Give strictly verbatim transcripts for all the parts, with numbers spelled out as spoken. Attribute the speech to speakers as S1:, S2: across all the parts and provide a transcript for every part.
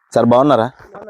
S1: Sir బాగున్నారా?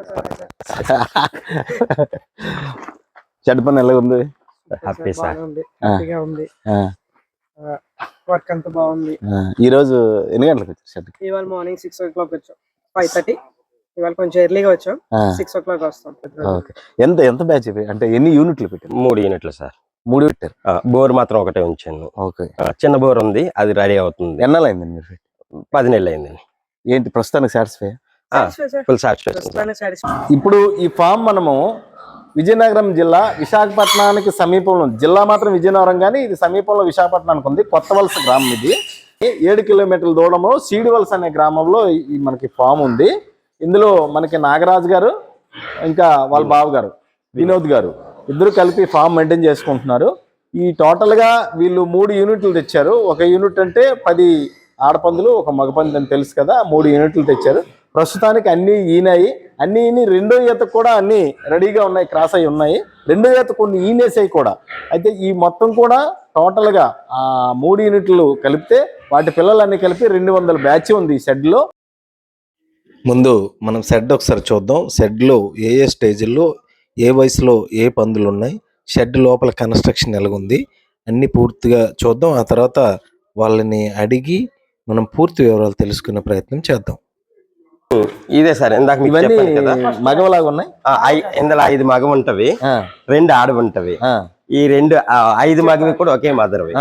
S1: చెడ్డ పని ఎలా ఉంది?
S2: Happy sir.
S3: హ్యాపీగా ఉంది. వర్క్ అంతా బాగుంది.
S1: ఈ రోజు ఎన్ని గంటలకు వచ్చారు షెడ్?
S3: ఇవాళ మార్నింగ్ సిక్స్ ఓ క్లాక్ వచ్చాం. ఫైవ్ థర్టీ ఇవాళ కొంచెం ఎర్లీగా వచ్చాం. సిక్స్ ఓ క్లాక్ వస్తాం.
S1: ఎంత ఎంత బ్యాచ్ ఇది? అంటే ఎన్ని యూనిట్లు పెట్టారు?
S2: మూడు యూనిట్లు సార్.
S1: మూడు పెట్టారు.
S2: బోర్ మాత్రం ఒకటే ఉంచాను.
S1: ఓకే.
S2: చిన్న బోర్ ఉంది, అది రెడీ అవుతుంది.
S1: ఎన్నాలైంది మీరు?
S2: పది నెలలు అయిందండి.
S1: ఏంటి ప్రస్తుతానికి సాటిస్ఫై?
S2: Full satisfy.
S1: ఇప్పుడు ఈ ఫామ్ మనము విజయనగరం జిల్లా విశాఖపట్నానికి సమీపంలో, జిల్లా మాత్రం విజయనగరం కానీ ఇది సమీపంలో విశాఖపట్నానికి ఉంది. కొత్త వలస గ్రామం ఇది. ఏడు కిలోమీటర్ల దూరంలో సీడివలస అనే గ్రామంలో మనకి ఫామ్ ఉంది. ఇందులో మనకి నాగరాజు గారు ఇంకా వాళ్ళ బావ గారు వినోద్ గారు ఇద్దరు కలిపి ఫామ్ మెయింటైన్ చేసుకుంటున్నారు. ఈ టోటల్గా వీళ్ళు మూడు యూనిట్లు తెచ్చారు. ఒక యూనిట్ అంటే పది ఆడపందులు ఒక మగపంది అని తెలుసు కదా, మూడు యూనిట్లు తెచ్చారు. ప్రస్తుతానికి అన్నీ ఈనాయి. అన్నీ ఈని రెండో ఈత కూడా అన్నీ రెడీగా ఉన్నాయి, క్రాస్ అయి ఉన్నాయి. రెండో ఈత కొన్ని ఈనేసాయి కూడా. అయితే ఈ మొత్తం కూడా టోటల్గా ఆ మూడు యూనిట్లు కలిపితే వాటి పిల్లలన్నీ కలిపి రెండు వందల బ్యాచ్ ఉంది ఈ షెడ్లో. ముందు మనం షెడ్ ఒకసారి చూద్దాం. షెడ్లో ఏ ఏ స్టేజ్లో ఏ వయసులో ఏ పందులు ఉన్నాయి, షెడ్ లోపల కన్స్ట్రక్షన్ ఎలాగుంది అన్నీ పూర్తిగా చూద్దాం. ఆ తర్వాత వాళ్ళని అడిగి మనం పూర్తి వివరాలు తెలుసుకునే ప్రయత్నం చేద్దాం.
S2: ఇదే సార్ ఇందాక
S1: మగవలాగా ఉన్నాయి.
S2: ఇందులో ఐదు మగ ఉంటవి, రెండు ఆడ ఉంటవి. ఈ రెండు ఐదు మగవి కూడా ఒకే మదర్వి.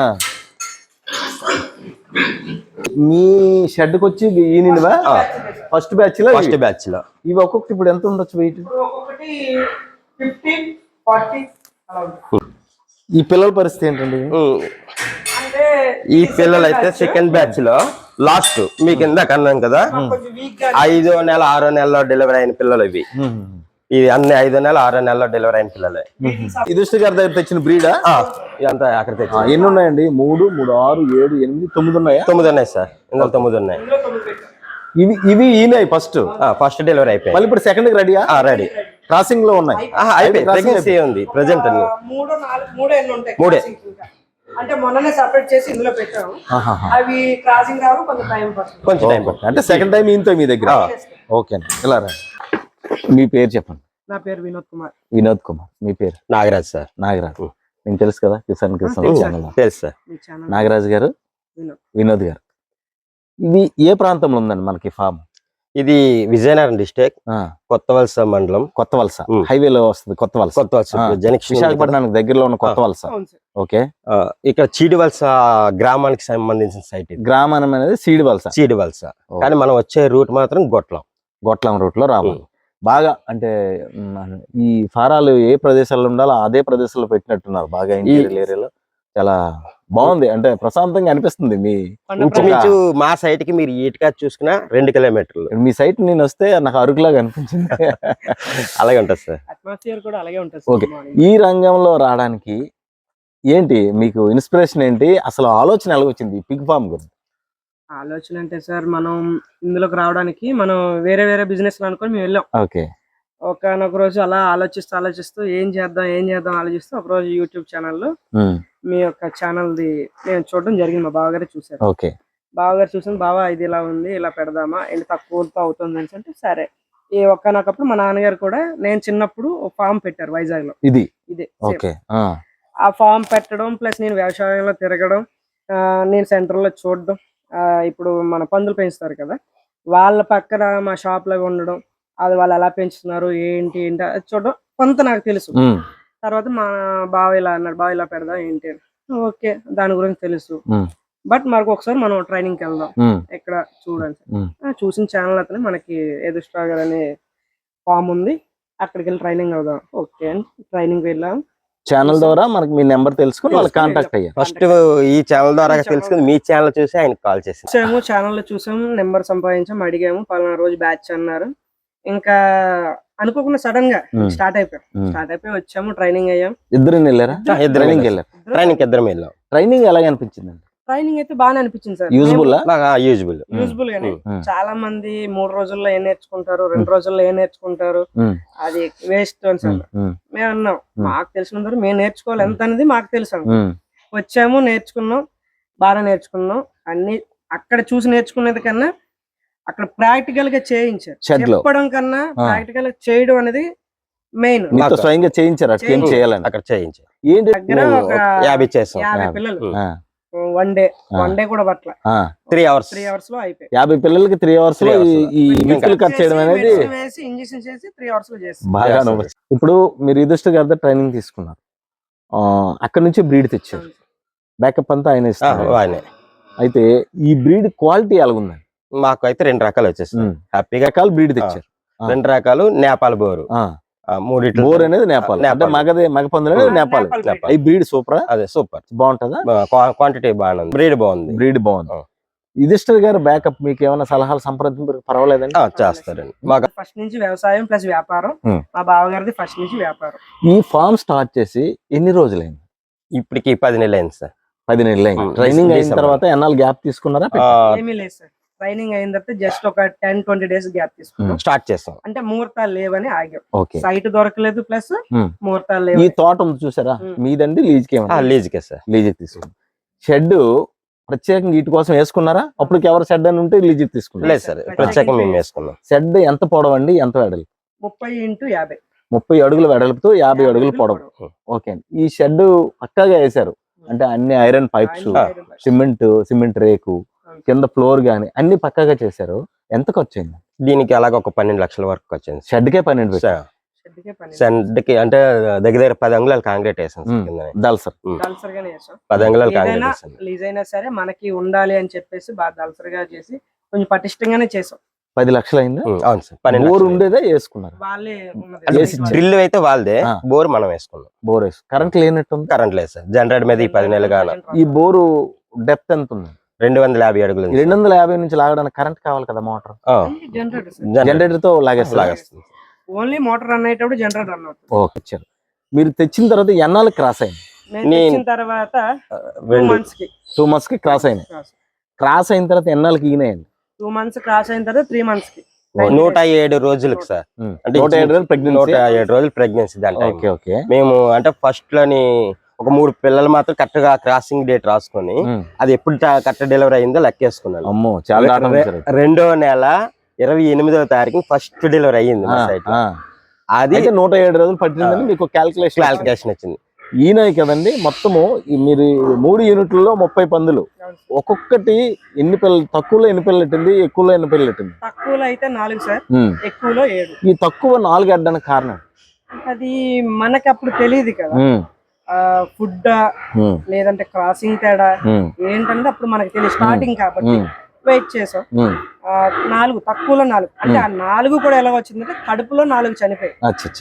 S1: మీ షెడ్కి వచ్చి ఈనివా ఫస్ట్ బ్యాచ్ లో?
S2: ఫస్ట్ బ్యాచ్ లో.
S1: ఇవి ఒక్కొక్కటి ఇప్పుడు ఎంత ఉండొచ్చు వెయిట్? ఈ పిల్లల పరిస్థితి ఏంటండి?
S2: ఈ పిల్లలు అయితే సెకండ్ బ్యాచ్ లో లాస్ట్ మీకు ఇందాక అన్నాం కదా, ఐదో నెల ఆరో నెలలో డెలివరీ అయిన పిల్లలు ఇవి. ఇది అన్ని ఐదో నెల ఆరో నెలలో డెలివరీ అయిన పిల్లలే.
S1: యుధిష్ఠ గారి దగ్గర తెచ్చిన బ్రీడా
S2: ఇదంతా అక్కడ తెచ్చి.
S1: ఎన్ని ఉన్నాయండి? మూడు మూడు ఆరు ఏడు ఎనిమిది తొమ్మిది ఉన్నాయా?
S2: తొమ్మిది ఉన్నాయి సార్. ఇందులో తొమ్మిది ఉన్నాయి.
S1: ఇవి ఇవి ఈనాయి ఫస్ట్
S2: ఫస్ట్ డెలివరీ అయిపోయి.
S1: మళ్ళీ ఇప్పుడు సెకండ్ రెడీ
S2: రెడీ
S1: క్రాసింగ్ లో ఉన్నాయి.
S2: ప్రెగ్నెన్సీ ఉంది ప్రెజెంట్ అన్ని మూడే.
S3: అంటే మొన్ననే సెపరేట్ చేసి ఇందులో పెట్టాము. అవి క్రాసింగ్ కావాలి, కొంచెం టైం పడుతుంది.
S2: కొంచెం టైం పడుతుంది.
S1: అంటే సెకండ్ టైం ఇంతో మీ దగ్గర. ఓకే అండి, ఇలా రండి. మీ పేరు చెప్పండి.
S3: నా పేరు వినోద్ కుమార్.
S1: వినోద్ కుమార్. మీ పేరు?
S2: నాగరాజ్ సార్.
S1: నాగరాజ్ నేను తెలుసు కదా, కిసాన్ కిసాన్
S2: తెలుసు సార్.
S1: నాగరాజ్ గారు, వినోద్ గారు. ఇది ఏ ప్రాంతంలో ఉందండి మనకి ఫామ్?
S2: ఇది విజయనగరం డిస్ట్రిక్ట్, కొత్త వలస మండలం.
S1: కొత్త వలస హైవేలో వస్తుంది. కొత్త వలస
S2: కొత్త వలస
S1: విశాఖపట్నానికి దగ్గరలో ఉన్న కొత్త వలస. ఓకే.
S2: ఇక్కడ చీడి వలస గ్రామానికి సంబంధించిన సైట్.
S1: గ్రామం అనేది సీడి వలస.
S2: చీడి వలస కానీ మనం వచ్చే రూట్ మాత్రం గొట్లం.
S1: గొట్లం రూట్ లో రావాలి. బాగా అంటే ఈ ఫారాలు ఏ ప్రదేశాల్లో ఉండాలో అదే ప్రదేశంలో పెట్టినట్టున్నారు. బాగా ఇంటీరియర్ ఏరియాలో చాలా బాగుంది. అంటే ప్రశాంతంగా అనిపిస్తుంది. మీ
S2: మా సైట్ కి మీరు ఈటుగా చూసుకున్నా రెండు కిలోమీటర్లు.
S1: మీ సైట్ నేను వస్తే నాకు అరుకులాగా అనిపించింది.
S2: అలాగే ఉంటుంది సార్.
S3: అట్మాస్ఫియర్ కూడా అలాగే ఉంటుంది.
S1: ఓకే. ఈ రంగంలో రావడానికి ఏంటి మీకు ఇన్స్పిరేషన్ ఏంటి? అసలు ఆలోచన ఎలా వచ్చింది పిగ్ ఫార్మ్ గురించి?
S3: ఆలోచన అంటే సార్, మనం ఇందులోకి రావడానికి మనం వేరే వేరే బిజినెస్ అనుకొని మేము వెళ్ళాం.
S1: ఓకే.
S3: ఒకనొక రోజు అలా ఆలోచిస్తూ ఆలోచిస్తూ ఏం చేద్దాం ఏం చేద్దాం ఆలోచిస్తూ ఒక రోజు యూట్యూబ్ ఛానల్లో మీ యొక్క ఛానల్ ది నేను చూడడం జరిగింది. మా బావగారే చూసారు.
S1: ఓకే.
S3: బావగారు చూసిన బావా ఇది ఇలా ఉంది, ఇలా పెడదామా, ఏంటి తక్కువతో అవుతుంది అని అంటే సరే. ఈ ఒక్కనొకప్పుడు మా నాన్నగారు కూడా నేను చిన్నప్పుడు ఫామ్ పెట్టారు వైజాగ్ లో.
S1: ఇది
S3: ఇదే
S1: ఓకే.
S3: ఆ ఫామ్ పెట్టడం ప్లస్ నేను వ్యవసాయంలో తిరగడం, నేను సెంటర్ లో చూడడం, ఇప్పుడు మన పందులు పెంచుతారు కదా వాళ్ళ పక్కన మా షాప్ లో ఉండడం, అది వాళ్ళు ఎలా పెంచుతున్నారు ఏంటి ఏంటి అది చూడడం కొంత నాకు తెలుసు. తర్వాత మా బావ ఇలా అన్నాడు, బావ ఇలా పెడదాం ఏంటి అని. ఓకే, దాని గురించి తెలుసు. బట్ మనకు ఒకసారి మనం ట్రైనింగ్కి వెళ్దాం ఇక్కడ చూడండి. చూసిన ఛానల్ అతనే మనకి ఎదుస్ట్రా గారు అనే ఫామ్ ఉంది, అక్కడికి వెళ్ళి ట్రైనింగ్ అవుదాం. ఓకే అని ట్రైనింగ్ వెళ్ళాం.
S1: ఛానల్ ద్వారా మనకి మీ నెంబర్ తెలుసుకుని వాళ్ళు కాంటాక్ట్ అయ్యారు.
S2: ఫస్ట్ ఈ ఛానల్ ద్వారా తెలుసుకుని మీ ఛానల్ చూసి ఆయన కాల్ చేసాము.
S3: ఛానల్ లో చూసాము, నెంబర్ సంపాదించాము, అడిగాము. పలానా రోజు బ్యాచ్ అన్నారు. ఇంకా అనుకోకుండా సడన్ గా స్టార్ట్ అయిపోయాం. స్టార్ట్ అయిపోయి వచ్చాము, ట్రైనింగ్ అయ్యాం.
S1: ఇద్దరు వెళ్ళారా?
S2: ట్రైనింగ్ వెళ్ళారు. ట్రైనింగ్ ఇద్దరం వెళ్ళాం.
S1: ట్రైనింగ్ ఎలాగ అనిపించింది?
S3: ట్రైనింగ్ అయితే బాగా అనిపించింది సార్.
S1: యూజ్ఫుల్
S2: యూజ్ఫుల్
S3: యూజ్ఫుల్ గానే. చాలా మంది మూడు రోజుల్లో ఏం నేర్చుకుంటారు, రెండు రోజుల్లో ఏం నేర్చుకుంటారు, అది వేస్ట్ అని సార్ మేము అన్నాం. మాకు తెలిసినంత మేము నేర్చుకోవాలి ఎంత అనేది మాకు తెలుసు. వచ్చాము, నేర్చుకున్నాం, బాగా నేర్చుకున్నాం. అన్ని అక్కడ చూసి నేర్చుకునేది కన్నా అక్కడ ప్రాక్టికల్ గా చేయించారు.
S1: Shed లో.
S3: చెప్పడం కన్నా ప్రాక్టికల్ గా చేయడం అనేది మెయిన్.
S1: మీతో స్వయంగా చేయించారు అట్లా ఏం చేయాలని
S2: అక్కడ చేయించి
S1: ఏంటి
S3: దగ్గర ఒక
S2: యాభై చేస్తాం.
S3: యాభై పిల్లలు
S1: ఆ,
S3: వన్ డే వన్ డే కూడా పట్ల
S1: ఆ.
S2: త్రీ అవర్స్
S3: త్రీ అవర్స్ లో అయిపోయి
S1: యాభై పిల్లలకి త్రీ అవర్స్ లో
S2: Three hours
S1: ఈ- ఈ నిప్పులు కట్ చేయడం అనేది
S3: వేసి ఇంజెక్షన్ చేసి త్రీ అవర్స్ లో చేసి
S1: బాగా
S2: Yes,
S1: అనుభవం. ఇప్పుడు మీరు యుధిష్ఠిర్ గారి ట్రైనింగ్ తీసుకున్నారు, ఆ, అక్కడ నుంచి బ్రీడ్ తెచ్చారు, బ్యాకప్ అంతా ఆయన ఇస్తారు.
S2: ఆయనే
S1: అయితే ఈ బ్రీడ్ క్వాలిటీ ఎలాగుందండి?
S2: మాకు అయితే రెండు రకాలు వచ్చేసాయి
S1: ఉమ్.
S2: హ్యాపీగా.
S1: రకాల బ్రీడ్ తెచ్చారు. ఆ.
S2: రెండు రకాలు నేపాల్ బోరు,
S1: ఆ,
S2: ఆ, మూడిట్లు
S1: బోర్ అనేది నేపాల్, అంటే
S2: నేపాల్.
S1: మగదే మగ పందులు అనేది నేపాల్.
S3: నేపాల్ breed.
S1: ఈ బ్రీడ్ సూపర్
S2: అదే సూపర్,
S1: బాగుంటుందా?
S2: క్వాంటిటీ బాగుంది, బ్రీడ్ బాగుంది.
S1: బ్రీడ్ బాగుంది.
S2: ఆ.
S1: యుధిష్ఠిర్ గారు బ్యాకప్ మీకు ఏమైనా సలహాలు సంప్రదింపు పర్వాలేదండి?
S2: ఆ, చేస్తారండి. మాకు
S3: ఫస్ట్ నుంచి వ్యవసాయం ప్లస్ వ్యాపారం.
S1: ఉమ్.
S3: మా బావగారిది ఫస్ట్ నుంచి వ్యాపారం.
S1: ఈ ఫార్మ్ స్టార్ట్ చేసి ఎన్ని రోజులైంది?
S2: ఇప్పటికి పది నెలలు అయింది సార్.
S1: పది నెలలు అయింది.
S2: ఉమ్.
S1: ట్రైనింగ్ అయిన
S2: December.
S1: తర్వాత ఎన్నాళ్ళు గ్యాప్ తీసుకున్నారా?
S2: ఆ,
S3: ఏమీ లేదు సార్. ట్రైనింగ్ అయిన తర్వాత జస్ట్ ఒక టెన్ ట్వంటీ డేస్ గ్యాప్ తీసుకున్నాం.
S2: స్టార్ట్ చేస్తాం.
S3: అంటే ముహూర్తాలు లేవని ఆగాం.
S1: ఓకే.
S3: సైట్ దొరకలేదు ప్లస్
S1: ఉమ్.
S3: ముహూర్తాలు
S1: ఈ
S3: లేవు.
S1: తోట ఉంది చూసారా,
S3: ఉమ్.
S1: మీదండి లీజ్కి
S2: ఆ,
S1: ఏమన్నా?
S2: లీజుకే సార్.
S1: లీజ్ తీసుకున్నాం. షెడ్ ప్రత్యేకంగా వీటి కోసం వేసుకున్నారా? అప్పుడు ఎవరు షెడ్ అని ఉంటే లీజ్ తీసుకున్నారు.
S2: లేదు సార్, ప్రత్యేకంగా మేము వేసుకున్నాం.
S1: షెడ్ ఎంత పొడవండి, ఎంత వెడల్పు?
S3: ముప్పై ఇంటూ యాభై
S1: ముప్పై అడుగుల వెడల్పుతో యాభై
S3: యాభై
S1: అడుగులు
S3: అడుగులు
S1: పొడవు.
S3: పొడవు.
S1: ఓకే అండి. ఈ షెడ్ పక్కాగా వేశారు, అంటే అన్ని ఐరన్ పైప్స్,
S3: ఆయన ఐరన్ పైప్స్.
S1: సిమెంట్ సిమెంట్ రేకు, కింద ఫ్లోర్ గాని అన్ని పక్కాగా చేశారు. ఎంత ఖర్చు అయింది?
S2: దీనికి అలాగ ఒక పన్నెండు లక్షల వరకు వచ్చింది సార్.
S1: షెడ్ కే పన్నెండు పెట్టారు.
S3: షెడ్కే పని.
S2: సెంట్కి అంటే దగ్గర దగ్గర పది అంగుళాలు కాంక్రీట్ వేసాం సార్
S1: ఉమ్.
S2: కిందనే.
S1: దల్సర్.
S3: దళసరిగానే చేసాం.
S2: పది అంగుళాలు కాంక్రీట్
S3: ఏదైనా
S2: వేసాం.
S3: లీజ్ అయినా సరే మనకి ఉండాలి అని చెప్పేసి బాగా దళసరిగా చేసి కొంచెం పటిష్టంగానే చేసాం.
S1: పది లక్షలు అయిందా?
S2: ఉమ్, అవును సార్, పన్నెండు
S1: బోర్
S2: లక్షలు.
S1: ఉండేదే వేసుకున్నారు.
S3: వాళ్ళే ఉన్నది.
S2: అంటే
S1: వేసి ఇచ్చారు.
S2: డ్రిల్ అయితే వాళ్ళదే,
S1: ఆ.
S2: బోర్ మనం వేసుకున్నాం.
S1: బోర్ వేసు కరెంట్ లేనట్టుంది.
S2: కరెంట్ లేదు సార్, జనరేటర్ మీద ఈ పది నెలలు గాను
S1: ఈ బోరు డెప్త్ ఎంత ఉంది?
S2: రెండు వందల యాభై అడుగులు ఉంది
S1: రెండు వందల యాభై నుంచి లాగడానికి కరెంట్ కావాలి కదా, మోటార్.
S2: ఆ,
S3: జనరేటర్ సార్.
S2: జనరేటర్
S1: జనరేటర్ తో లాగేస్తారు.
S2: లాగేస్తుంది.
S3: ఓన్లీ మోటార్ రన్ అయ్యేటప్పుడు జనరేటర్ రన్ అవుతుంది.
S1: ఓకే. ఇచ్చారు. మీరు తెచ్చిన తర్వాత ఎన్నాళ్ళు క్రాస్ అయింది?
S3: మేము
S2: నేను-
S3: తెచ్చిన తర్వాత టూ
S2: రెండు
S3: మంత్స్ కి
S1: టూ మంత్స్ కి క్రాస్ అయినాయి. క్రాస్ అయిన తర్వాత ఎన్నాళ్ళకి ఈనాయండి?
S3: టూ మంత్స్ క్రాస్ అయిన తర్వాత త్రీ మంత్స్ కి
S2: నూట ఏడు రోజులకు సార్. అంటే
S1: నూట ఏడు రోజులు
S2: నూట
S1: ప్రెగ్నెన్సీ.
S2: ఏడు రోజులు ప్రెగ్నెన్సీ దాని time.
S1: Okay okay.
S2: మేము అంటే ఫస్ట్ లోని ఒక మూడు పిల్లలు మాత్రం కరెక్ట్ గా క్రాసింగ్ డేట్ రాసుకొని
S1: ఉమ్.
S2: అది ఎప్పుడు కరెక్ట్ డెలివరీ అయిందో లెక్కేసుకున్నాను.
S1: అమ్మో చాలా దాటం
S2: రె-
S1: ఇచ్చారు.
S2: రెండో నెల ఇరవై ఎనిమిదవ తారీఖు ఫస్ట్ డెలివరీ అయ్యింది మా
S1: ఆ,
S2: సైట్ లో.
S1: ఆ.
S2: అది
S1: అయితే నూట ఏడు రోజులు పట్టిందని మీకు క్యాల్కులేషన్.
S2: క్లారిఫికేషన్ వచ్చింది.
S1: ఈనాయి కదండి మొత్తము. ఈ మీరు మూడు యూనిట్లలో ముప్పై పందులు, ఒక్కొక్కటి ఎన్ని పిల్లలు, తక్కువలో ఎన్ని పిల్లలు పెట్టింది, ఎక్కువలో ఎన్ని పిల్లలు పెట్టింది?
S3: తక్కువలో అయితే నాలుగు సార్,
S1: ఉమ్.
S3: ఎక్కువలో ఏడు.
S1: ఈ తక్కువ నాలుగు అడ్డానికి కారణం?
S3: అది మనకి అప్పుడు తెలియదు కదా,
S1: ఉమ్.
S3: ఫుడ్
S1: ఉమ్.
S3: లేదంటే క్రాసింగ్ తేడా
S1: ఉమ్.
S3: ఏంటంటే అప్పుడు మనకి తెలియదు, స్టార్టింగ్ కాబట్టి
S1: ఉమ్.
S3: వెయిట్ చేసాం.
S1: ఉమ్.
S3: ఆ, నాలుగు తక్కువలో నాలుగు, అంటే ఆ నాలుగు కూడా ఎలా వచ్చిందంటే కడుపులో నాలుగు చనిపోయాయి,
S1: అచ్చా అచ్చా.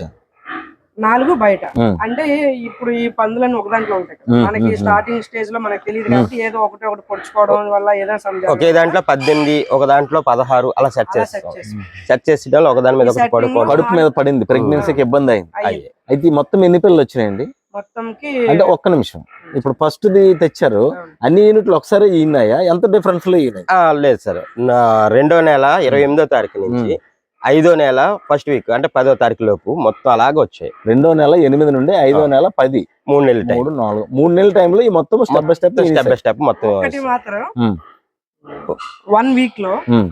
S3: నాలుగు బయట.
S1: ఉమ్.
S3: అంటే ఇప్పుడు ఈ పందులన్నీ ఒక దాంట్లో ఉంటాయి కదా,
S1: ఉమ్,
S3: మనకి
S1: ఉమ్,
S3: స్టార్టింగ్ స్టేజ్ లో మనకి తెలియదు కాబట్టి ఏదో ఒకటి ఒకటి పొడుచుకోవడం వల్ల ఏదో సందేహం
S2: ఒకే దాంట్లో పద్దెనిమిది, ఒక దాంట్లో పదహారు అలా సెట్
S3: అలా సెట్
S2: చేస్తాం.
S3: చేసాం.
S2: సెట్ చేసి ఒక దాని మీద ఒకటి
S3: setting
S2: పడుకోవడం.
S1: కడుపు మీద పడింది, ప్రెగ్నెన్సీకి ఇబ్బంది అయింది.
S3: అయ్యి
S1: అయితే ఈ మొత్తం ఎన్ని పిల్లలు వచ్చినాయండి?
S3: మొత్తంకి
S1: అంటే ఒక్క నిమిషం, ఇప్పుడు ఫస్ట్ ది తెచ్చారు, అన్ని యూనిట్లు ఒకసారి ఈనాయా? ఎంత డిఫరెన్స్ లో ఈనాయి?
S2: ఆ, లేదు సార్, నా రెండో నెల ఇరవై ఎనిమిదో తారీఖు నుంచి ఐదో నెల ఫస్ట్ వీక్ అంటే పదో తారీఖు లోపు మొత్తం అలాగే వచ్చాయి.
S1: రెండో నెల ఎనిమిది నుండి ఐదో నెల పది,
S2: మూడు నెలల టైం,
S1: మూడు నాలుగు మూడు నెలల టైంలో ఈ మొత్తం step by step
S2: step by step మొత్తం.
S3: ఒకటి మాత్రం
S1: ఉమ్.
S3: వన్ వీక్ లో
S1: ఉమ్.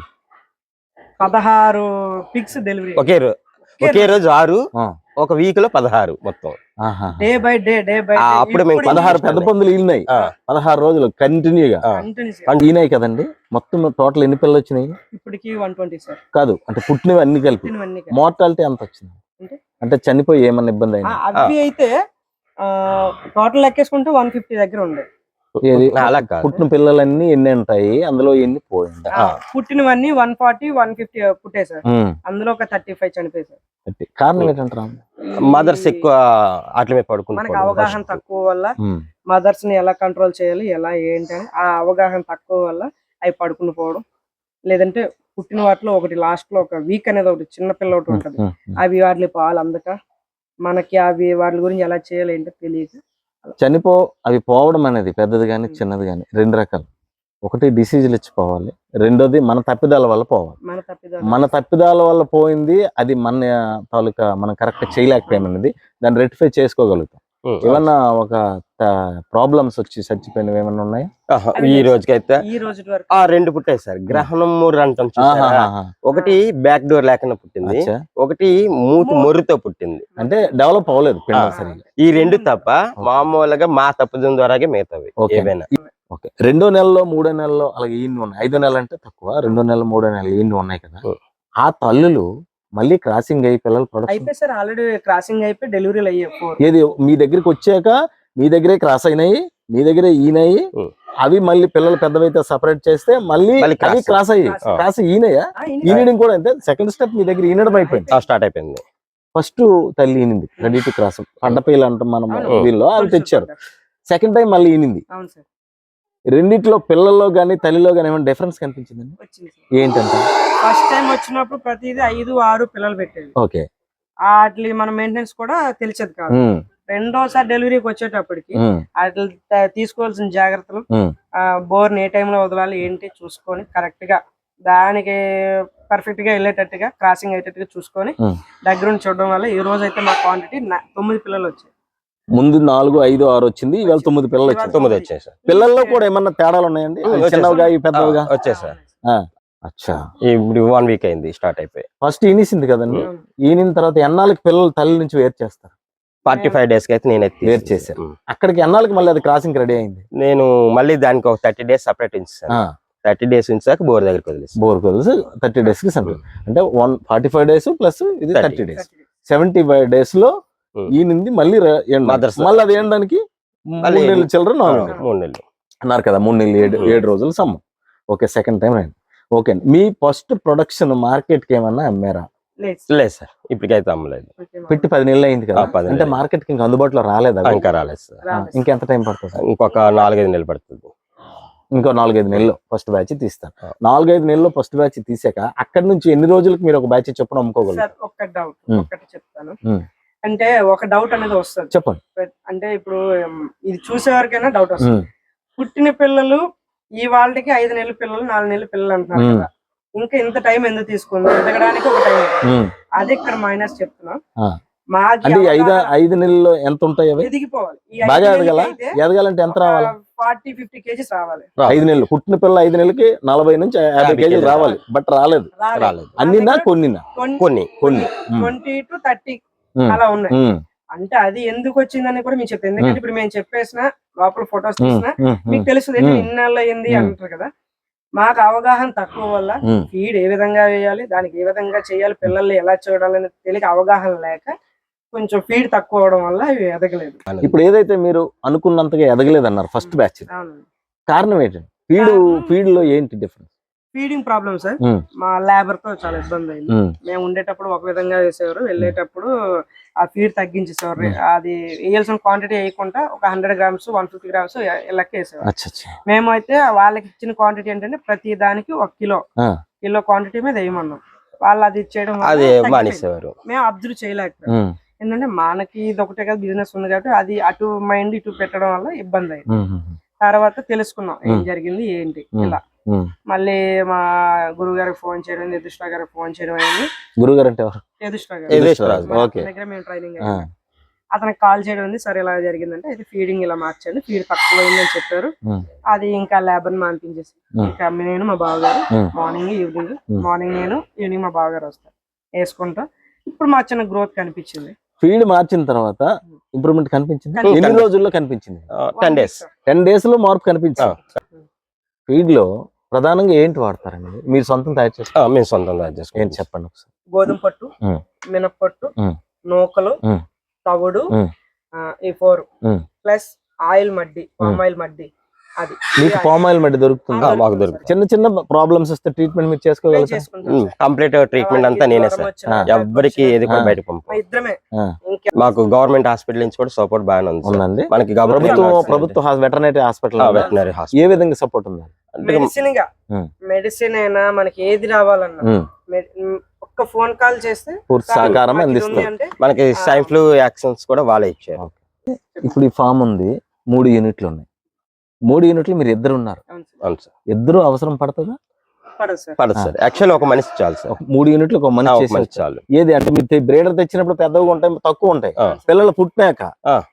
S3: పదహారు పిక్స్ డెలివరీ,
S2: ఒకే రోజు ఒకే రోజు ఆరు,
S1: ఆ.
S2: ఒక వీక్ లో పదహారు మొత్తం.
S1: ఆహా.
S3: Day by day day by
S2: ఆ, అప్పుడు మేము
S1: పదహారు పెద్ద పందులు ఈనాయి
S2: ఆ,
S1: పదహారు రోజులు కంటిన్యూగా.
S2: ఆ.
S1: ఈనాయి కదండి. మొత్తం టోటల్ ఎన్ని పిల్లలు వచ్చినాయి?
S3: ఇప్పటికి వన్ ట్వంటీ సార్.
S1: కాదు, అంటే పుట్టినవి అన్ని కలిపి
S3: పుట్టినవన్నీ కలిపి.
S1: మోర్టాలిటీ ఎంత వచ్చింది?
S3: అంటే?
S1: అంటే చనిపోయి ఏమన్నా ఇబ్బంది
S3: ఆ,
S1: అయింది?
S3: అవి అయితే టోటల్ లెక్కేసుకుంటే వన్ ఫిఫ్టీ దగ్గర ఉండే.
S1: ఏది?
S2: అలా కాదు.
S1: పుట్టిన పిల్లలన్నీ ఎన్ని ఉంటాయి, అందులో ఎన్ని పోయింది?
S3: ఆ, పుట్టినవన్నీ వన్ ఫార్టీ వన్ ఫిఫ్టీ పుట్టాయి సార్,
S1: ఉమ్.
S3: అందులో ఒక థర్టీ ఫైవ్ చనిపోయాయి సార్.
S1: అంటే కారణం ఏంటంటారా?
S2: మదర్స్ ఎక్కువ వాటి మీద పడుకుంటారు.
S3: మనకి అవగాహన తక్కువ వల్ల,
S1: ఉమ్.
S3: మదర్స్ ని ఎలా కంట్రోల్ చేయాలి ఎలా ఏంటి అని ఆ అవగాహన తక్కువ వల్ల అవి పడుకుని పోవడం, లేదంటే పుట్టిన వాటిలో ఒకటి లాస్ట్ లో ఒక వీక్ అనేది ఒకటి చిన్న పిల్ల ఒకటి ఉంటది,
S1: ఉమ్. ఉమ్.
S3: అవి వాటి పాలు అందక మనకి అవి వాటి గురించి ఎలా చేయాలి ఏంటో తెలియక
S1: చనిపో అవి పోవడం అనేది పెద్దది కానీ చిన్నది కానీ రెండు రకాలు. ఒకటి డిసీజులు ఇచ్చి పోవాలి, రెండోది మన తప్పిదాల వల్ల పోవాలి.
S3: మన తప్పిదాలు.
S1: మన తప్పిదాల వల్ల పోయింది, అది మన తాలూకా మనం కరెక్ట్ చేయలేకపోయామన్నది, దాన్ని రెక్టిఫై చేసుకోగలుగుతాం.
S2: ఉమ్,
S1: ఏమన్నా ఒక ప్రాబ్లమ్స్ వచ్చి చచ్చిపోయినవి ఏమన్నా ఉన్నాయా?
S2: ఆహా, ఈ రోజుకైతే
S3: ఈ రోజు వరకు
S2: ఆ రెండు పుట్టాయి సార్. గ్రహణం మూడు అంటాం చూసారా?
S1: ఆహాహాహా.
S2: ఒకటి బ్యాక్ డోర్ లేకుండా పుట్టింది,
S1: అచ్చా.
S2: ఒకటి మూతి మొర్రుతో పుట్టింది.
S1: అంటే డెవలప్ అవ్వలేదు పిండం
S2: ఆ.
S1: సరిగ్గా.
S2: ఈ రెండు తప్ప మామూలుగా మా తప్పుదం ద్వారాగే మిగతావి
S1: ఓకే.
S2: ఏవైనా.
S1: ఓకే. రెండో నెలలో మూడో నెలలో అలాగే ఈయన ఉన్నాయి. ఐదో నెల అంటే తక్కువ, రెండో నెల మూడో నెలలు ఈయన ఉన్నాయి కదా.
S2: ఉం.
S1: ఆ తల్లులు మళ్ళీ క్రాసింగ్ అయ్యి పిల్లలు ప్రొడక్షన్
S3: అయిపోయి సార్, ఆల్రెడీ క్రాసింగ్ అయిపోయి డెలివరీలు అయ్యాయి ఫోర్.
S1: ఏది మీ దగ్గరికి వచ్చాక మీ దగ్గరే క్రాస్ అయినాయి, మీ దగ్గరే ఈనాయి,
S2: ఉం.
S1: అవి మళ్ళీ పిల్లలు పెద్దవైతే సపరేట్ చేస్తే మళ్ళీ
S2: మళ్ళీ
S1: అవి
S2: cross.
S1: క్రాస్ అయ్యి
S3: Cross.
S1: క్రాస్ ఈనయా ఈనడం కూడా అంతే. సెకండ్ స్టెప్ మీ దగ్గర ఈనడం అయిపోయింది.
S2: స్టార్ట్ అయిపోయింది.
S1: ఫస్ట్ తల్లి ఈనింది రెడీ టు క్రాస్ పండపేలు అంటాం మనం
S3: అవును.
S1: వీళ్ళు అవి తెచ్చారు. సెకండ్ టైం మళ్ళీ ఈనింది.
S3: అవును సార్,
S1: రెండిట్లో పిల్లల్లో గానీ తల్లిలో గానీ ఏమైనా డిఫరెన్స్ కనిపించిందండి?
S3: వచ్చింది సార్.
S1: ఏంటంటే
S3: ఫస్ట్ టైం వచ్చినప్పుడు ప్రతిదీ ఐదు ఆరు పిల్లలు పెట్టేది.
S1: ఓకే.
S3: వాటి మన మెయింటెనెన్స్ కూడా తెలిసేది కాదు.
S1: ఉమ్,
S3: రెండోసారి డెలివరీకి వచ్చేటప్పటికి
S1: ఉమ్,
S3: వాటి తీసుకోవాల్సిన జాగ్రత్తలు,
S1: ఉమ్,
S3: ఆ బోర్ని ఏ టైంలో వదలాలి ఏంటి చూసుకొని కరెక్ట్ గా దానికి పర్ఫెక్ట్ గా వెళ్ళేటట్టుగా క్రాసింగ్ అయ్యేటట్టుగా చూసుకొని
S1: ఉమ్.
S3: దగ్గరుండి చూడడం వల్ల ఈ రోజు అయితే మా క్వాంటిటీ తొమ్మిది పిల్లలు వచ్చాయి.
S1: ముందు నాలుగు ఐదు ఆరు వచ్చింది, ఇవాళ తొమ్మిది పిల్లలు వచ్చింది.
S2: తొమ్మిది వచ్చాయి సార్.
S1: పిల్లల్లో కూడా ఏమన్నా తేడాలు ఉన్నాయండి?
S2: ఉమ్,
S1: అవి
S2: వచ్చేసాయి.
S1: చిన్నవిగా ఇవి పెద్దవిగా?
S2: ఆ, వచ్చాయి సార్.
S1: ఆ, అచ్చా.
S2: ఇప్పుడు వన్ వీక్ అయింది స్టార్ట్ అయిపోయి.
S1: ఫస్ట్ ఈనిసింది కదండి. ఈనిన తర్వాత ఎన్నాళ్ళకి పిల్లలు తల్లి నుంచి వేరు చేస్తారు?
S2: ఫార్టీ ఫైవ్ డేస్ కి అయితే నేను ఎత్తి
S1: వేరు చేశారు. అక్కడికి ఎన్నాళ్ళకి మళ్ళీ అది క్రాసింగ్ రెడీ అయింది?
S2: నేను మళ్ళీ దానికి ఒక థర్టీ డేస్ సపరేట్ ఉంచాను. థర్టీ డేస్ ఉంచాక బోర్ దగ్గరికి వదిలేసి
S1: బోర్ కొలిసి థర్టీ డేస్ కి సెంటర్ అంటే one forty five days plus ఇది
S2: thirty.
S1: Thirty days seventy five days లో
S2: ఉమ్.
S1: ఈనింది మళ్ళీ ర- ఎండ.
S2: Mothers.
S1: మళ్ళీ అది ఏండానికి
S2: మళ్ళీ
S1: మూడు నెలలు చిల్లర నాలుగు నెలలు
S2: మూడు నెలలు
S1: అన్నారు కదా. మూడు నెలలు ఏడు
S2: ఉమ్.
S1: ఏడు రోజులు సమ్మం. ఓకే. సెకండ్ టైం అయింది. ఓకే. మీ ఫస్ట్ ప్రొడక్షన్ మార్కెట్ కి ఏమన్నా అమ్మారా?
S3: లేదు సార్.
S2: లేదు సార్, ఇప్పటికైతే అమ్మలేదు.
S3: ఓకే మా-
S1: పెట్టి పది నెలలు అయింది కదా.
S2: ఆ, పది
S1: అంటే
S2: నెలలు.
S1: మార్కెట్ కి ఇంకా అందుబాటులో రాలేదా?
S2: ఇంకా రాలేదు సార్.
S3: రాలేదు.
S1: ఇంకెంత టైం పడుతుంది?
S2: ఇంకొక నాలుగైదు నెలలు పడుతుంది.
S1: ఇంకో నాలుగైదు నెలలు ఫస్ట్ బ్యాచ్ తీస్తాను.
S2: ఆ.
S1: నాలుగైదు నెలలు ఫస్ట్ బ్యాచ్ తీసాక అక్కడి నుంచి ఎన్ని రోజులకి మీరు ఒక బ్యాచ్ చొప్పున అమ్ముకోగలరు?
S3: సార్ ఒక్క డౌట్
S1: ఉమ్.
S3: ఒక్కటి చెప్తాను.
S1: ఉమ్.
S3: అంటే ఒక డౌట్ అనేది వస్తుంది.
S1: చెప్పండి.
S3: అంటే ఇప్పుడు ఉమ్, ఇది చూసేవారికైనా డౌట్ వస్తుంది.
S1: ఉమ్.
S3: పుట్టిన పిల్లలు ఈ వాళ్ళకి ఐదు నెలల పిల్లలు నాలుగు నెలల పిల్లలు అంటున్నారు
S1: ఉమ్.
S3: కదా, ఇంకా ఇంత టైం ఎందుకు తీసుకుంది? ఎదగడానికి ఒక టైం.
S1: ఉమ్.
S3: అది ఇక్కడ మైనస్ చెప్తున్నాం.
S1: ఆ.
S3: మాది
S1: అంటే ఈ ఐదు
S3: అవగాహన
S1: ఐదు నెలల్లో ఎంత ఉంటాయి అవి?
S3: ఎదిగిపోవాలి. ఈ
S1: బాగా ఎదగల ఎదగాలంటే ఎంత రావాలి?
S3: ఫార్టీ ఫిఫ్టీ కేజీస్ రావాలి.
S1: ఐదు నెలలు పుట్టిన పిల్ల ఐదు నెలలకి నలభై నుంచి యాభై
S2: యాభై
S1: కేజీలు
S2: కేజీలు
S1: రావాలి. బట్ రాలేదు.
S2: రాలేదు.
S1: అన్నినా కొన్నినా?
S2: కొన్ని
S1: కొన్ని. ఉమ్.
S3: ట్వంటీ టు థర్టీ
S1: ఉమ్.
S3: అలా ఉన్నాయి.
S1: ఉమ్.
S3: అంటే అది ఎందుకు వచ్చిందని కూడా మీకు చెప్తాను. ఎందుకంటే ఇప్పుడు మేము చెప్పేసిన లోపల ఫొటోస్
S1: ఉమ్.
S3: తీసిన
S1: ఉమ్.
S3: మీకు తెలుస్తుంది
S1: ఉమ్.
S3: ఇన్నాళ్ళు అయింది
S1: ఉమ్.
S3: అంటారు కదా. మాకు అవగాహన తక్కువ వల్ల
S1: ఉమ్.
S3: ఫీడ్ ఏ విధంగా వేయాలి, దానికి ఏ విధంగా చేయాలి, పిల్లల్ని ఎలా చూడాలని తెలియక అవగాహన లేక కొంచెం ఫీడ్ తక్కువ అవడం వల్ల ఇవి ఎదగలేదు.
S1: ఇప్పుడు ఏదైతే మీరు అనుకున్నంతగా ఎదగలేదు అన్నారు ఫస్ట్ బ్యాచ్,
S3: అవునండి.
S1: కారణం ఏంటండి? ఫీడ్ ఫీడ్ లో ఏంటి డిఫరెన్స్?
S3: Feeding problem sir.
S1: ఉమ్.
S3: మా లేబర్ తో చాలా ఇబ్బంది అయింది.
S1: ఉమ్.
S3: మేము ఉండేటప్పుడు ఒక విధంగా వేసేవారు, వెళ్ళేటప్పుడు ఆ ఫీడ్ తగ్గించేసేవారు. అది వేయాల్సిన క్వాంటిటీ వేయకుండా ఒక hundred grams one fifty grams లెక్క వేసేవారు.
S1: అచ్చా అచ్చా.
S3: మేము అయితే వాళ్ళకి ఇచ్చిన క్వాంటిటీ ఏంటంటే ప్రతి దానికి ఒక కిలో
S1: ఆ.
S3: కిలో క్వాంటిటీ మీద వేయమన్నాం. వాళ్ళు అది ఇచ్చేయడం వల్ల
S2: అది
S3: తగ్గిపోయింది.
S2: మానేసేవారు.
S3: మేము అబ్జర్వ్ చేయలేకపోయాం.
S1: ఉమ్.
S3: ఏంటంటే మనకి ఇది ఒకటే కదా బిజినెస్ ఉంది కాబట్టి అది అటు మైండ్ ఇటు పెట్టడం వల్ల ఇబ్బంది అయింది.
S1: ఉమ్. ఉమ్.
S3: తర్వాత తెలుసుకున్నాం ఏం
S1: ఉమ్.
S3: జరిగింది ఏంటి
S1: ఉమ్.
S3: ఇలా.
S1: ఉమ్.
S3: మళ్ళీ మా గురువు గారికి ఫోన్ చేయడం, యదుష్ట గారికి ఫోన్ చేయడం అయింది.
S1: గురువు గారు అంటే ఎవరు?
S3: యదుష్ట
S2: యదుష్ట
S3: గారు
S2: గారు.
S1: ఓకే.
S3: దగ్గర మేము ట్రైనింగ్
S1: ఆ.
S3: అతనికి కాల్ చేయడం ఉంది. సరే ఇలా జరిగిందంటే అయితే ఫీడింగ్ ఇలా మార్చండి, ఫీడ్ తక్కువ అయిందని చెప్పారు.
S1: ఉమ్.
S3: అది ఇంకా లేబర్ మానిపించేసి
S1: ఉమ్.
S3: ఇంకా నేను మా బావగారు
S1: ఉమ్.
S3: మార్నింగ్ ఈవినింగ్
S1: ఉమ్.
S3: మార్నింగ్ నేను ఈవినింగ్ మా బావగారు వస్తారు వేసుకుంటా. ఇప్పుడు మా చిన్న గ్రోత్ కనిపించింది.
S1: ఫీడ్ మార్చిన తర్వాత ఇంప్రూవ్మెంట్ కనిపించింది.
S3: కనిపించింది.
S1: ఎన్ని రోజుల్లో కనిపించింది?
S2: టెన్ డేస్
S1: టెన్ డేస్ లో మార్పు కనిపించింది. ఫీడ్ లో ప్రధానంగా ఏంటి వాడతారండి? మీరు సొంతం తయారు చేస్తారు?
S2: మేము సొంతంగా
S1: ఏంటి
S2: చేసుకుంటాం.
S1: చెప్పండి ఒకసారి.
S3: గోధుమ పట్టు,
S1: ఉమ్.
S3: మినప్పట్టు,
S1: ఉమ్.
S3: నూకలు,
S1: ఉమ్.
S3: తవుడు,
S1: ఉమ్.
S3: ఆ, ఈ ఫోర్
S1: ఉమ్.
S3: ప్లస్ ఆయిల్ మడ్డి, పామ్ ఆయిల్ మడ్డి. అది
S1: మీకు పామ్ ఆయిల్ మధ్య దొరుకుతుంది?
S2: ఆ, మాకు దొరుకుతుంది.
S1: చిన్న చిన్న ప్రాబ్లమ్స్ వస్తే ట్రీట్మెంట్ మీరు చేసుకోగలుగుతారు?
S3: చేసుకుంటాం సార్.
S2: కంప్లీట్ ట్రీట్మెంట్ అంతా నేనే సార్.
S3: వచ్చినా,
S2: ఎవ్వరికి ఏది కూడా
S1: ఆ.
S2: బయట పంప.
S3: మా ఇద్దరమే.
S1: ఆ.
S3: ఇంకే
S2: మాకు గవర్నమెంట్ హాస్పిటల్ నుంచి కూడా సపోర్ట్ బాగానే ఉంది సార్.
S1: ఉందండి.
S2: మనకి
S1: ప్రభుత్వం ప్రభుత్వ వెటర్నరీ హాస్పిటల్
S2: వెటనరీ
S1: ఏ
S2: హాస్పిటల్
S1: విధంగా సపోర్ట్ ఉంది?
S3: మెడిసిన్ గా
S1: ఉమ్.
S3: మెడిసిన్ అయినా మనకి ఏది రావాలన్నా
S1: ఉమ్.
S3: మె- ఉమ్, ఒక్క ఫోన్ కాల్ చేస్తే
S1: పూర్తి
S3: సార్,
S1: సహకారం
S3: మాకు ఇది
S1: అందిస్తారు.
S3: ఉంది అంటే
S2: మనకి స్వైన్ ఫ్లూ యాక్షన్స్ కూడా వాళ్ళే ఇచ్చారు.
S1: ఇప్పుడు ఈ ఫామ్ ఉంది, మూడు యూనిట్లు ఉన్నాయి. మూడు యూనిట్లు మీరు ఇద్దరు ఉన్నారు.
S3: అవును సార్.
S2: అవును సార్.
S1: ఇద్దరు అవసరం పడుతుందా?
S3: పడదు సార్.
S2: పడదు సార్. యాక్చువల్ ఒక మనిషి చాలు సార్.
S1: ఒక మూడు యూనిట్లు ఒక
S2: ఆ,
S1: మనిషి
S2: ఒక
S1: చేసి
S2: మనిషి చాలు.
S1: ఏది అంటే మీరు బ్రేడర్ తెచ్చినప్పుడు పెద్దగా ఉంటాయి, తక్కువ ఉంటాయి.
S2: ఆ.
S1: పిల్లలు పుట్టినాక
S2: ఆ.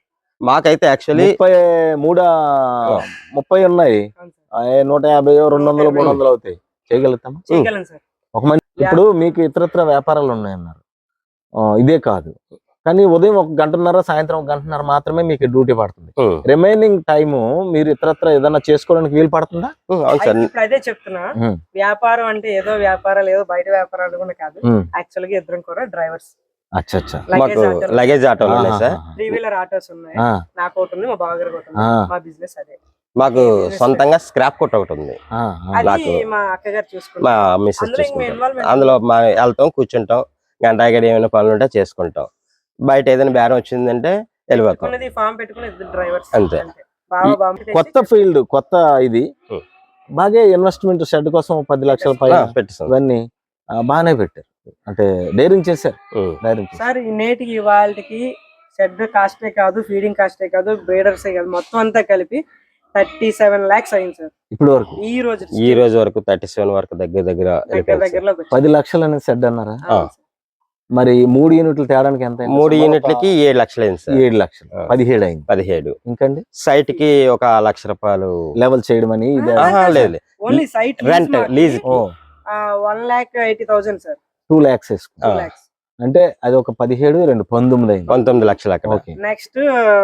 S2: మాకైతే యాక్చువల్లీ
S1: ముప్పై మూడా ముప్పై ఉన్నాయి,
S3: అవును సార్.
S1: ఆ, నూట యాభై రెండు వందలు మూడు వందలు అవుతాయి. చేయగలుగుతాం
S3: చేయగలను సార్.
S1: ఒక మంచి. ఇప్పుడు మీకు ఇతరత్ర వ్యాపారాలు ఉన్నాయన్నారు, ఆ, ఇదే కాదు కానీ ఉదయం ఒక గంటన్నర సాయంత్రం ఒక గంటన్నర మాత్రమే మీకు డ్యూటీ పడుతుంది. రిమైనింగ్ టైము మీరు ఇతరత్ర ఏదైనా చేసుకోవడానికి వీలు పడుతుందా?
S2: అవును సార్.
S3: అయితే ఇప్పుడు అదే చెప్తున్నా,
S1: ఉమ్,
S3: వ్యాపారం అంటే ఏదో వ్యాపారాలు ఏదో బయట వ్యాపారాలు కూడా కాదు.
S1: ఉమ్.
S3: యాక్చువల్ గా ఇద్దరం కూడా డ్రైవర్స్,
S1: అచ్చా అచ్చా.
S2: మాకు లగేజ్ ఆటోలు ఉన్నాయి సార్.
S3: త్రీ వీలర్ ఆటోస్ ఉన్నాయి.
S1: ఆ,
S3: నాకు ఒకటి ఉంది, మా బావగారికి ఒకటి ఉంది.
S1: ఆ.
S3: మా బిజినెస్ అదే.
S2: మాకు సొంతంగా స్క్రాప్ కొట్ట ఒకటి ఉంది.
S1: ఆ, ఆ.
S3: అది
S2: నాకు
S3: మా అక్కగారు
S2: మా
S3: చూసుకుంటారు.
S2: మిస్సెస్
S3: అందులో ఇంక
S2: చూసుకుంటాం.
S3: ఇన్వాల్వ్మెంట్
S2: అందులో మా వెళ్తాం, కూర్చుంటాం, గంట గడి ఏమైనా పనులు ఉంటే చేసుకుంటాం. బయట ఏదైనా బేరం వచ్చిందంటే వెళ్ళిపోతాం
S3: పెట్టుకున్నది ఫామ్ పెట్టుకుని ఇద్దరు డ్రైవర్స్
S2: అంతే.
S3: బావ బావ
S1: కొత్త ఫీల్డ్, కొత్త ఇది
S2: ఉమ్.
S1: బాగా ఇన్వెస్ట్మెంట్ షెడ్ కోసం పది లక్షల పైన
S2: పెట్టిస్తాం.
S1: ఇవన్నీ ఆ, బాగానే పెట్టారు, అంటే డైరింగ్ చేశారు.
S2: ఉమ్.
S1: డైరింగ్ చేశారు.
S3: సార్ ఈ నేటికి వాళ్ళకి షెడ్ కాస్టే కాదు, ఫీడింగ్ కాస్టే కాదు, బ్రీడర్స్ కాదు, మొత్తం అంతా కలిపి థర్టీ సెవెన్ లాక్స్ అయింది సార్
S1: ఇప్పుడు వరకు
S3: ఈ రోజు.
S2: ఈ రోజు వరకు థర్టీ సెవెన్ వరకు దగ్గర దగ్గర
S3: దగ్గర
S2: వెళ్ళిపోయింది సార్.
S3: దగ్గరలో
S1: పది లక్షలు అనేది సెడ్ అన్నారా?
S2: ఆ.
S1: మరి మూడు యూనిట్లు తేడానికి ఎంత అయింది?
S2: మూడు యూనిట్లకి ఏడు లక్షలు అయింది సార్.
S1: ఏడు లక్షలు,
S2: ఆ.
S1: పదిహేడు అయింది.
S2: పదిహేడు.
S1: ఇంకండి
S2: సైట్ కి ఒక లక్ష రూపాయలు
S1: లెవెల్ చేయడం అని ఇది
S2: ఆహా, లేదు
S3: ఓన్లీ సైట్
S2: రెంట్ లీజ్
S1: ఓ
S3: one lakh eighty thousand sir.
S1: Two lakhs వేసుకో,
S3: టూ
S2: ఆ.
S3: లాక్స్.
S1: అంటే అది ఒక పదిహేడు రెండు పంతొమ్మిది అయింది.
S2: పంతొమ్మిది లక్షలు అక్కడ.
S1: ఓకే.
S3: నెక్స్ట్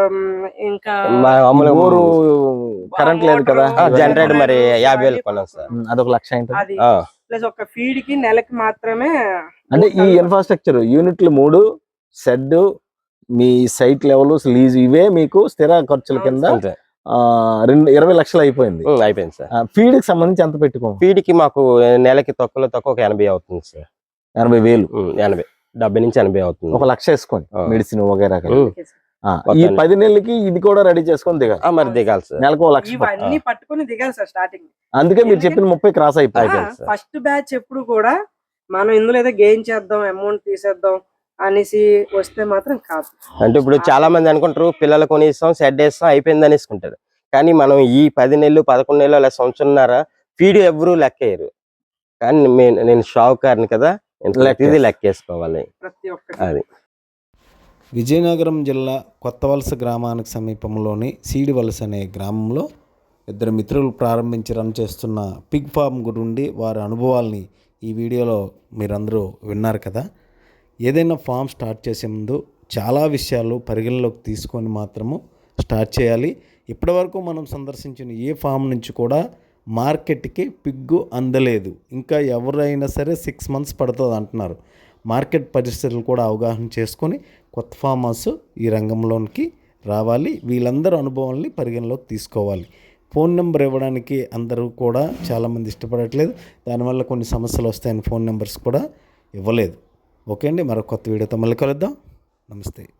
S3: ఇంకా
S2: మా అమ్ములు
S1: బోరు కరెంట్ లేదు కదా,
S2: ఆ, జనరేటర్ మరి యాభై వేలు కొన్నాం సార్.
S1: ఉమ్, అదొక లక్ష అయింది.
S3: అది
S2: ఆ,
S3: ప్లస్ ఒక ఫీడ్ కి నెలకి మాత్రమే
S1: అంటే ఈ ఇన్ఫ్రాస్ట్రక్చర్ యూనిట్లు మూడు, షెడ్, మీ సైట్ లెవెల్, లీజ్, ఇవే మీకు స్థిర ఖర్చుల కింద
S2: అంతే.
S1: ఆ, రెండు ఇరవై లక్షలు అయిపోయింది.
S2: ఉమ్, అయిపోయింది సార్.
S1: ఫీడ్ కి సంబంధించి ఎంత పెట్టుకో?
S2: ఫీడ్ కి మాకు నెలకి తక్కువలో తక్కువ ఒక ఎనభై అవుతుంది సార్.
S1: ఎనభై వేలు,
S2: ఉమ్, ఎనభై డెబ్బై నుంచి ఎనభై అవుతుంది.
S1: ఒక లక్ష వేసుకొని
S2: ఆ.
S1: మెడిసిన్ వగైరా కలిపి.
S2: ఉమ్.
S1: ఆ, ఈ పది నెలలకి ఇది కూడా రెడీ చేసుకొని దిగాలి.
S2: ఆ, మరి దిగాలి సార్.
S1: నెలకు ఒక లక్ష.
S3: ఇవన్నీ పట్టుకొని దిగాలి సార్ స్టార్టింగ్.
S1: అందుకే మీరు చెప్పిన ముప్పై క్రాస్ అయిపోయింది.
S2: అయిపోయింది సార్.
S3: ఫస్ట్ బ్యాచ్ ఎప్పుడు కూడా మనం ఇందులో ఏదో గెయిన్ చేద్దాం, అమౌంట్ తీసేద్దాం అనేసి వస్తే మాత్రం కాదు.
S2: అంటే ఇప్పుడు చాలా మంది అనుకుంటారు పిల్లలు కొనిస్తాం, సెడ్ వేస్తాం, అయిపోయింది అనేసుకుంటారు. కానీ మనం ఈ పది నెలలు పదకొండు నెలలు అలా సంవత్సరంన్నర ఫీడ్ ఎవరు లెక్కేయరు. కానీ మే- నేను షావుకారిని కదా, ఇది లెక్కేసుకోవాలి.
S3: ప్రతి ఒక్కటి
S2: అది
S4: విజయనగరం జిల్లా కొత్తవలస గ్రామానికి సమీపంలోని సీడివలస అనే గ్రామంలో ఇద్దరు మిత్రులు ప్రారంభించి రన్ చేస్తున్న పిగ్ ఫార్మ్ గురించి వారి అనుభవాల్ని ఈ వీడియోలో మీరందరూ విన్నారు కదా. ఏదైనా ఫామ్ స్టార్ట్ చేసే ముందు చాలా విషయాలు పరిగణలోకి తీసుకొని మాత్రము స్టార్ట్ చేయాలి. ఇప్పటివరకు మనం సందర్శించిన ఏ ఫామ్ నుంచి కూడా మార్కెట్కి పిగ్గు అందలేదు. ఇంకా ఎవరైనా సరే సిక్స్ మంత్స్ పడుతుంది అంటున్నారు. మార్కెట్ పరిస్థితులు కూడా అవగాహన చేసుకొని కొత్త ఫార్మర్స్ ఈ రంగంలోనికి రావాలి. వీళ్ళందరూ అనుభవాల్ని పరిగణలోకి తీసుకోవాలి. ఫోన్ నెంబర్ ఇవ్వడానికి అందరూ కూడా చాలామంది ఇష్టపడట్లేదు. దానివల్ల కొన్ని సమస్యలు వస్తాయని ఫోన్ నెంబర్స్ కూడా ఇవ్వలేదు. ఓకే అండి, మరో కొత్త వీడియోతో మళ్ళీ కలుద్దాం. నమస్తే.